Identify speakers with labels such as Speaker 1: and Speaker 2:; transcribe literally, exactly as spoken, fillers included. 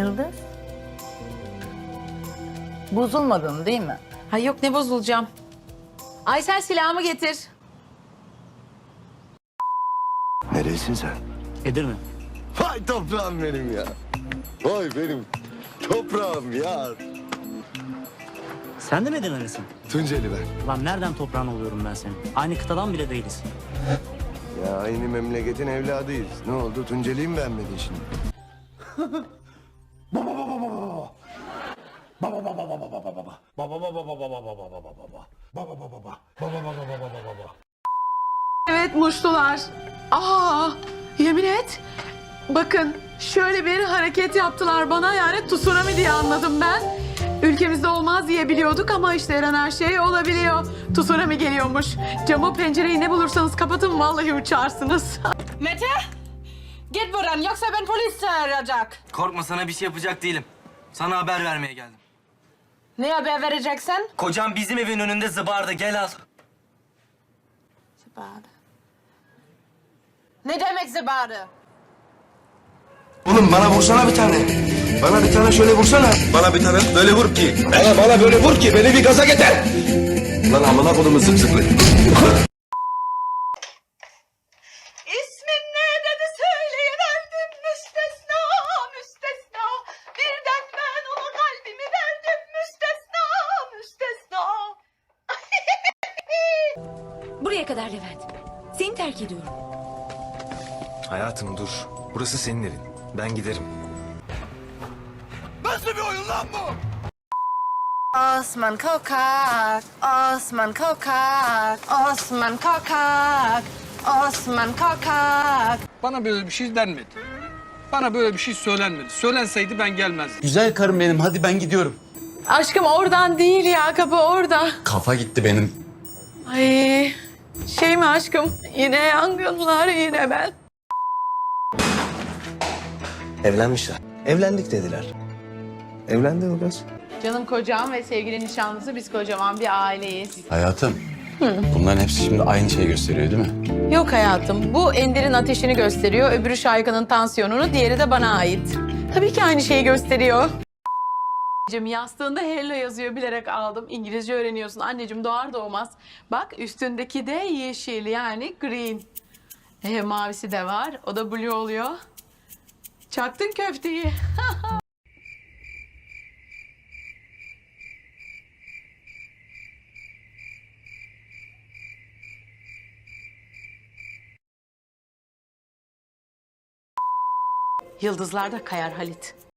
Speaker 1: Yıldız? Bozulmadın değil mi?
Speaker 2: Ha yok, ne bozulacağım. Aysel, silahımı getir.
Speaker 3: Nerelisin sen?
Speaker 4: Edirne.
Speaker 3: Vay toprağım benim ya. Vay benim toprağım ya.
Speaker 4: Sen de mi Edirne'lisin?
Speaker 3: Tunceli ben.
Speaker 4: Lan nereden toprağın oluyorum ben senin? Aynı kıtadan bile değiliz.
Speaker 3: Ya aynı memleketin evladıyız. Ne oldu? Tunceli'yi mi beğenmedin şimdi?
Speaker 2: Evet, muştular. Aa, yemin et. Bakın, şöyle bir hareket yaptılar bana, yani tsunami diye anladım ben. Ülkemizde olmaz diye biliyorduk ama işte her an her şey olabiliyor. Tsunami geliyormuş. Camı, pencereyi ne bulursanız kapatın, vallahi uçarsınız.
Speaker 5: Mete! Git buradan yoksa ben polis çağıracak.
Speaker 6: Korkma, sana bir şey yapacak değilim. Sana haber vermeye geldim.
Speaker 5: Ne haber vereceksin?
Speaker 6: Kocam bizim evin önünde zıbardı, gel al.
Speaker 5: Zıbarı. Ne demek zıbarı?
Speaker 3: Oğlum bana vursana bir tane. Bana bir tane şöyle vursana. Bana bir tane böyle vur ki. Bana bana böyle vur ki beni bir gaza getir. Lan amına kodumu zıp zıplı.
Speaker 7: İsmin ne dedi söyleyiverdim müstesna müstesna. Birden ben ona kalbimi verdim müstesna müstesna.
Speaker 8: Buraya kadar Levent. Seni terk ediyorum.
Speaker 3: Hayatım dur. Burası senin evin. Ben giderim. Nasıl bir oyun lan bu?
Speaker 5: Osman kokak, Osman kokak, Osman kokak, Osman kokak.
Speaker 9: Bana böyle bir şey denmedi. Bana böyle bir şey söylenmedi. Söylenseydi ben gelmezdim.
Speaker 10: Güzel karım benim, hadi ben gidiyorum.
Speaker 2: Aşkım oradan değil ya, kapı orada.
Speaker 10: Kafa gitti benim.
Speaker 2: Ay, şey mi aşkım? Yine yangınlar, yine ben.
Speaker 3: Evlenmişler. Evlendik dediler. Evlendi o kız.
Speaker 2: Canım kocam ve sevgili nişanlısı, biz kocaman bir aileyiz.
Speaker 10: Hayatım, bunların hepsi şimdi aynı şeyi gösteriyor değil mi?
Speaker 2: Yok hayatım, bu Ender'in ateşini gösteriyor, öbürü Şayka'nın tansiyonunu, diğeri de bana ait. Tabii ki aynı şeyi gösteriyor. Anneciğim, yastığında hello yazıyor, bilerek aldım. İngilizce öğreniyorsun anneciğim, doğar doğmaz. Bak, üstündeki de yeşil, yani green. E, mavisi de var, o da blue oluyor. Çaktın köfteyi. Yıldızlar da kayar Halit.